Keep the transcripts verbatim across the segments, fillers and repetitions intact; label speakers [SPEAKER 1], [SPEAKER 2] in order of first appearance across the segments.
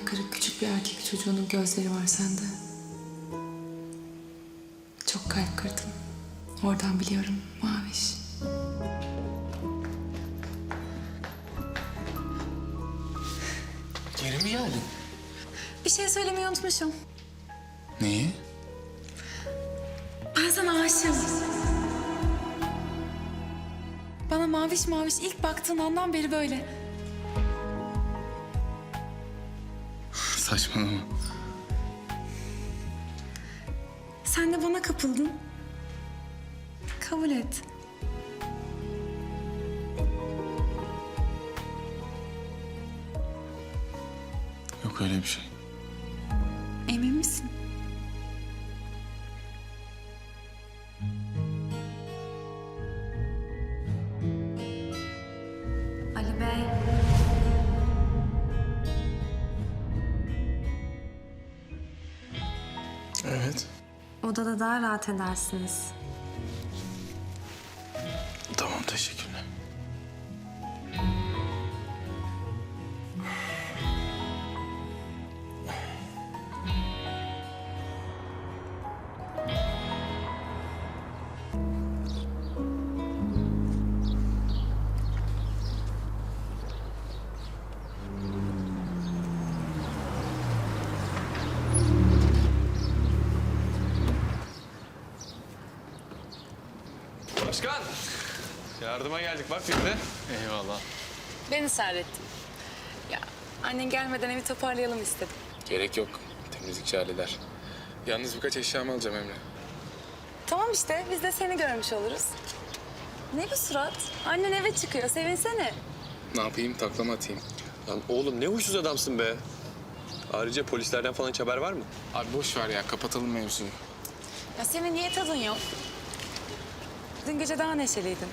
[SPEAKER 1] kırık küçük bir erkek çocuğunun gözleri var sende. Çok kalp kırdın. Oradan biliyorum Maviş.
[SPEAKER 2] Geri mi geldin?
[SPEAKER 1] Bir şey söylemeyi unutmuşum.
[SPEAKER 2] Neyi?
[SPEAKER 1] Ben sana aşığım. Bana maviş maviş ilk baktığın andan beri böyle.
[SPEAKER 2] Saçmalama.
[SPEAKER 1] Sen de bana kapıldın. Kabul et.
[SPEAKER 2] Yok öyle bir şey.
[SPEAKER 1] Emin misin?
[SPEAKER 3] Ali Bey.
[SPEAKER 2] Evet.
[SPEAKER 3] Odada daha rahat edersiniz.
[SPEAKER 2] Tamam, teşekkürler.
[SPEAKER 4] Başkan! Yardıma geldik bak biz de.
[SPEAKER 2] Eyvallah.
[SPEAKER 1] Ben ısrar ettim. Ya annen gelmeden evi toparlayalım istedim.
[SPEAKER 2] Gerek yok. Temizlikçi halleder. Yalnız birkaç eşyamı alacağım Emre.
[SPEAKER 1] Tamam işte biz de seni görmüş oluruz. Ne bu surat? Annen eve çıkıyor sevinsene.
[SPEAKER 2] Ne yapayım? Taklama atayım.
[SPEAKER 4] Lan oğlum ne huysuz adamsın be. Ayrıca polislerden falan hiç haber var mı?
[SPEAKER 2] Abi boş ver ya. Kapatalım mevzuyu.
[SPEAKER 1] Ya senin niye tadın yok? Dün gece daha neşeliydin.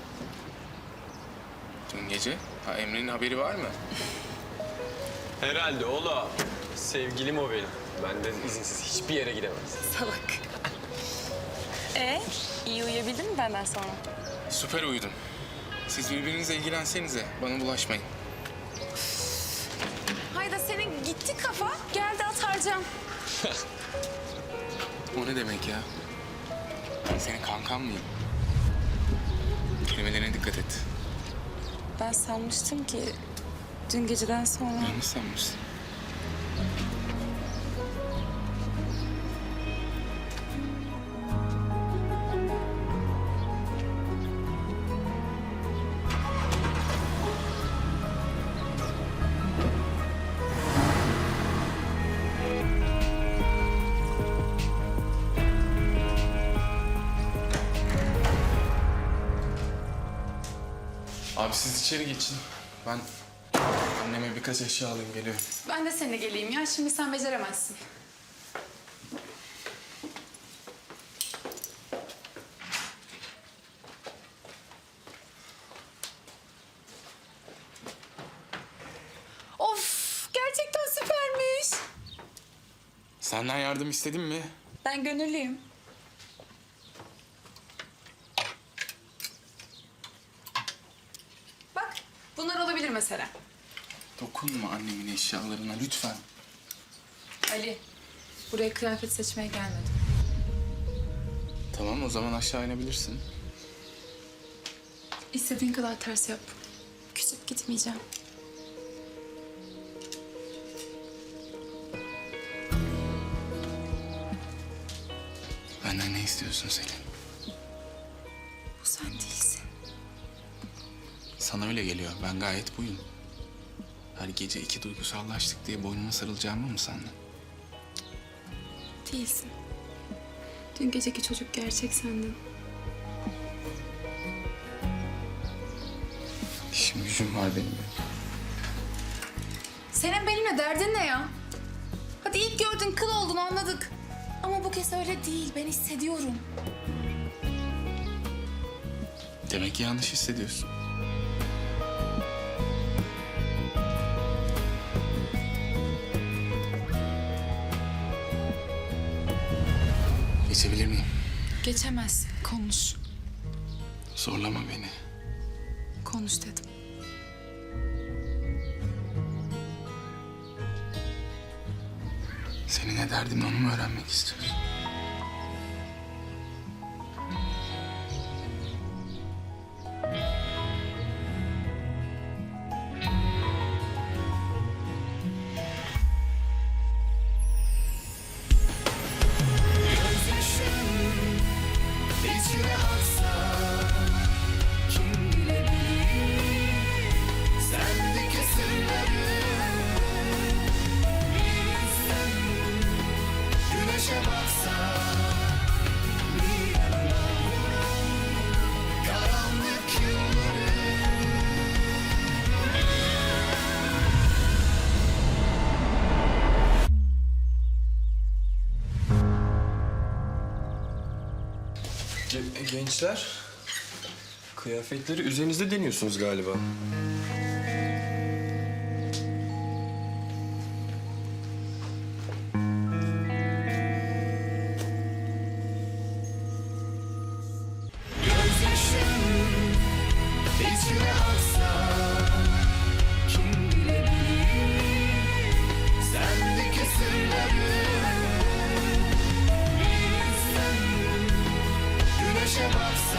[SPEAKER 2] Dün gece? Ha, Emre'nin haberi var mı?
[SPEAKER 4] Herhalde oğlum. Sevgilim o benim. Benden izinsiz hiçbir yere gidemez.
[SPEAKER 1] Salak. Ee, iyi uyuyabildin mi benden sonra?
[SPEAKER 2] Süper uyudum. Siz birbirinizle ilgilensenize. Bana bulaşmayın.
[SPEAKER 1] Hayda senin gitti kafa. Geldi at harcam.
[SPEAKER 2] O ne demek ya? Ben senin kankan mıyım? Kelimelerine dikkat et.
[SPEAKER 1] Ben sanmıştım ki dün geceden sonra...
[SPEAKER 2] Yanlış sanmışsın. Abi siz içeri geçin. Ben anneme birkaç eşya alayım, geliyorum.
[SPEAKER 1] Ben de seninle geleyim ya. Şimdi sen beceremezsin. Of! Gerçekten süpermiş.
[SPEAKER 2] Senden yardım istedim mi?
[SPEAKER 1] Ben gönüllüyüm. Bak, bunlar olabilir mesela.
[SPEAKER 2] Dokunma annemin eşyalarına lütfen.
[SPEAKER 1] Ali, buraya kıyafet seçmeye gelmedim.
[SPEAKER 2] Tamam, o zaman aşağı inebilirsin.
[SPEAKER 1] İstediğin kadar ters yap. Küçük gitmeyeceğim.
[SPEAKER 2] Benden ne istiyorsun Selin?
[SPEAKER 1] Bu sen değilsin.
[SPEAKER 2] Sana öyle geliyor. Ben gayet buyum. Her gece iki duygusallaştık diye boynuma sarılacağımı mı sandın?
[SPEAKER 1] Değilsin. Dün geceki çocuk gerçek sendin.
[SPEAKER 2] İşim gücüm var benim.
[SPEAKER 1] Senin benimle derdin ne ya? Hadi ilk gördün kıl oldun anladık. Ama bu kez öyle değil. Ben hissediyorum.
[SPEAKER 2] Demek ki yanlış hissediyorsun. Geçebilir miyim?
[SPEAKER 1] Geçemez. Konuş.
[SPEAKER 2] Zorlama beni.
[SPEAKER 1] Konuş dedim.
[SPEAKER 2] Senin ne derdin onu mu öğrenmek istiyorsun?
[SPEAKER 5] İçine aksa kim bilebilir sendeki sırları. Bilsen güneşe baksa bir yanına karanlık yılları.
[SPEAKER 4] Ge- gençler, kıyafetleri üzerinizde deniyorsunuz galiba.
[SPEAKER 5] Gözyaşım içine aksa kim bilebilir sendeki sırları. Bilsen güneşe baksa